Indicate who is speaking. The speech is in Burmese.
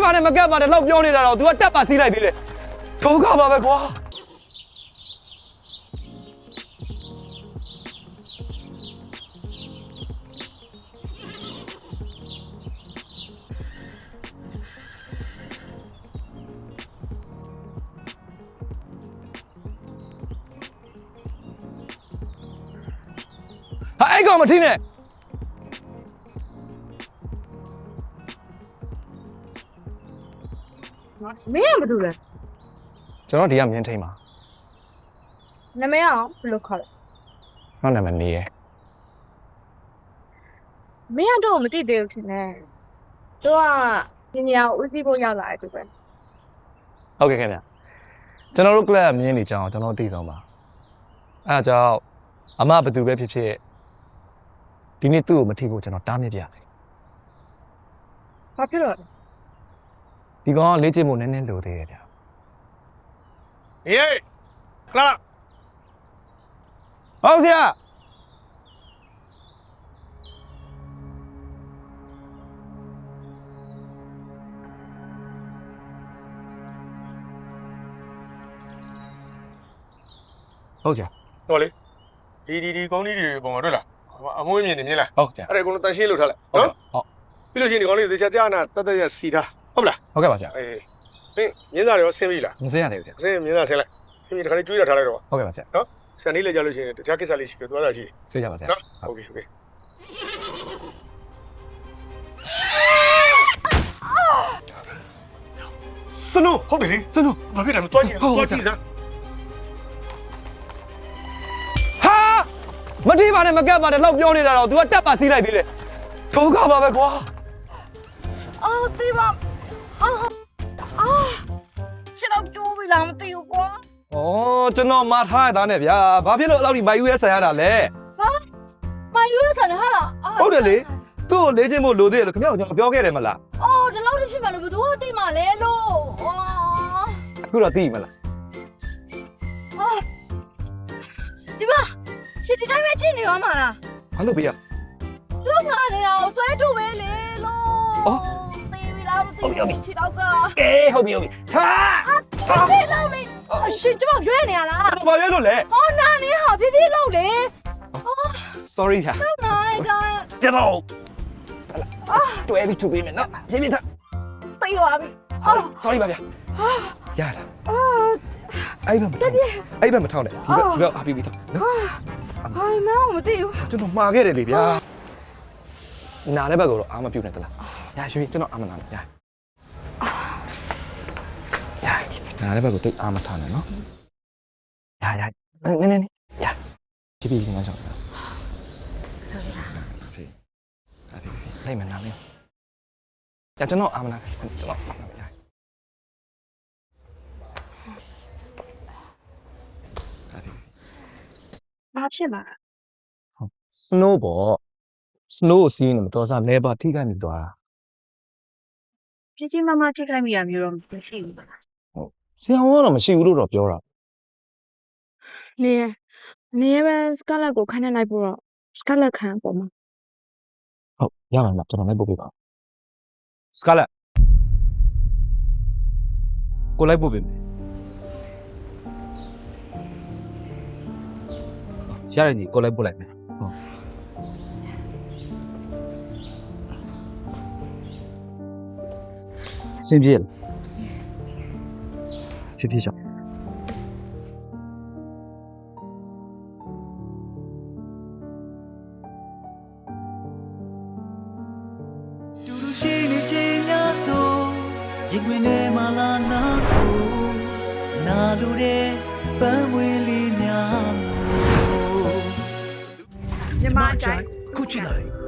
Speaker 1: ပါနဲ့မကက်ပါနဲ့လောက်ပြောနေတာတော့ तू ကတက်ပါစီးလိုက်သေးတယ်ဒုက္ခပါပဲကွာဟာအဲ့ကောင်မထင်းနဲ့
Speaker 2: မင်းကဘာလုပ်လဲ
Speaker 1: ကျွန်တော်ဒီကမြင်းထိန်ပါ
Speaker 2: နာမည်အောင်ဘယ်လိုခေါ်လဲ
Speaker 1: ကျွန်တော်နာမည်နေရ
Speaker 2: မင်းကတော့မသိသေးဘူးထင်တယ်သူကဒီနေရာကိုဦးစီးဖို့ရောက်လာတယ်သူပဲ
Speaker 1: ဟုတ်ကဲ့ခင်ဗျကျွန်တော်တို့ club မြင်းနေကြအောင်ကျွန်တော်သိတော့ပါအဲ့ဒါကြောင့်အမဘသူပဲဖြစ်ဖြစ်ဒီနေ့သူ့ကိုမထိဖို့ကျွန်တော်တားမြစ်ပြစီ
Speaker 2: ဘာဖြစ်လို့လဲ
Speaker 1: ဒီကောင်ကလေ့ကျင့်ဖို့နည်းနည်းလိုသေးတယ်ဗျာဟေးခလာဟုတ်ဆရာဟုတ်ဆရာ
Speaker 3: ဟောလေဒီကောင်းလေးတွေပုံမှာတွေ့လားအမွှေးမြင်နေမြင်လား
Speaker 1: ဟုတ်ဆရာ
Speaker 3: အဲ့ဒါကိုတန်ရှင်းလို့ထားလိုက်နော်
Speaker 1: ဟုတ်
Speaker 3: ပြီးလို့ရှိရင်ဒီကောင်းလေးသေချာကြားနာတတ်ရစီထားဟုတ်လား
Speaker 1: ဟုတ်ကဲ့ပါဆရာ
Speaker 3: အေးမင်းမြင်းစားရောဆင်းပြီလား
Speaker 1: မဆင်းရသေးဘူးဆရာ
Speaker 3: ဆင်းမြင်းစားဆင်းလိုက်ခင်ဗျဒီခါလေးကျွေးတာထားလိုက်တော့
Speaker 1: ဟုတ်ကဲ့ပါဆရာ
Speaker 3: နော်ဆန်လေးလည်းကြားလို့ရှိရင်တခြားကိစ္စလေးရှိတယ်သွားတာရှိတယ်
Speaker 1: ဆွေးကြပါဆရာ
Speaker 3: နော်โอเคစနိုးဟုတ်ပြီလေစနိုးဘာဖြစ်တယ်လဲတွားကြည့်စမ်း
Speaker 1: ဟာမတိပါနဲ့မကက်ပါနဲ့လောက်ပြောနေတာတော့ तू ကတက်ပါစီးလိုက်သေးတယ်ဒုက္ခပါပဲကွာ
Speaker 2: အော်တေးပါခြေတော့ကျိုးပြီလားမသိဘူးကွာ
Speaker 1: ဩကျွန်တော်မာထားရတာနဲ့ဗျာဘာဖြစ်လို့အဲ့လောက်ဒီမိုက်ယူရဲဆန်ရတာလဲ
Speaker 2: ဟာမိုင်ယူရဲဆန်ဟာလား
Speaker 1: ဟုတ်တယ်လေသူ့ကိုလေးချင်းမို့လိုသေးတယ်လို့ခင်ဗျားကကျွန်တော်ပြောခဲ့တယ်မလား
Speaker 2: အော်ဒီလောက်ဖြစ်မှလို့ဘယ်သူကသိမှလဲလို့
Speaker 1: အခုတော့သိမလား
Speaker 2: ဒီမှာရှစ်ဒီတိုင်းပဲကြည့်နေရောမှာလား
Speaker 1: ဘာလို့ပြရ
Speaker 2: လောက်လာနေတာကိုဆွဲထုတ်ပဲလေလို့သေပြီလားမသိဘူးခြေတော့က
Speaker 1: အေးဟုတ်ပြီထား
Speaker 2: ဖေးလောက်လေရှင်ကျမရွဲနေရလား
Speaker 1: ဘာရွဲလို့လဲ
Speaker 2: ဟောနာနေဟာဖေးဖေးလောက်လေ
Speaker 1: sorry ဗျာ
Speaker 2: နာနေကြ
Speaker 1: ကျတော့တွဲပြီးထုတ်ပေးမယ်နော်ရှင်းပြထား
Speaker 2: သိပါပြီ
Speaker 1: sorry ပါဗျာရတာအဲ့ဘက်မထောက်နဲ့ဒီဘက်အားပြီးပြီတော့နော်
Speaker 2: ဟိုင်းမောင်မသိဘူး
Speaker 1: ကျွန်တော်မှားခဲ့တယ်လေဗျာနားတဲ့ဘက်ကတော့အားမပြုတ်နဲ့တလားရရွှေကျွန်တော်အားမနာနဲ့ရနားတဲ့ဘက်ကိုတိတ်အားမထားနဲ့နော်ရနည်းရဖြည်းဖြည်းငါကြောက်တာလိုက်မနာနဲ့ရကျွန်တော်အားမနာကျွန်တော်အားမနာရ
Speaker 2: ဘာဖြစ်မှာ
Speaker 1: ဟုတ် snow ပေါ့ snow စီးနေမတော်စားလဲပါထိခိုက်နေသွားတာ
Speaker 2: ကြီးမမထိခိုက်မိရမျိုးတော့မရှိဘူး
Speaker 1: ဟုတ်ဆရာကတော့မရှိဘူးလို့တော့ပြောတာ
Speaker 2: နေပဲစကလက်ကိုခန်းနေလိုက်ပို့တော့စကလက်ခံပေါ့မှာ
Speaker 1: ဟုတ်ရမှာလားကျွန်တော်လိုက်ပို့ပေးပါစကလက်ကိုလိုက်ပို့ပေးမယ်ရတယ်ညီကိုလိုက်ပို့လိုက်မယ်ဟုတ်စင်ပြေလားဖြည်းရှောင်း
Speaker 4: တူတူရှိနေချိန်များဆိုရင်ဝင်နေမလားနာကိုနာလူတဲ့ပန်းဝင်လေးများ
Speaker 2: ညီမအချိုင်
Speaker 4: ခုချီလိုက်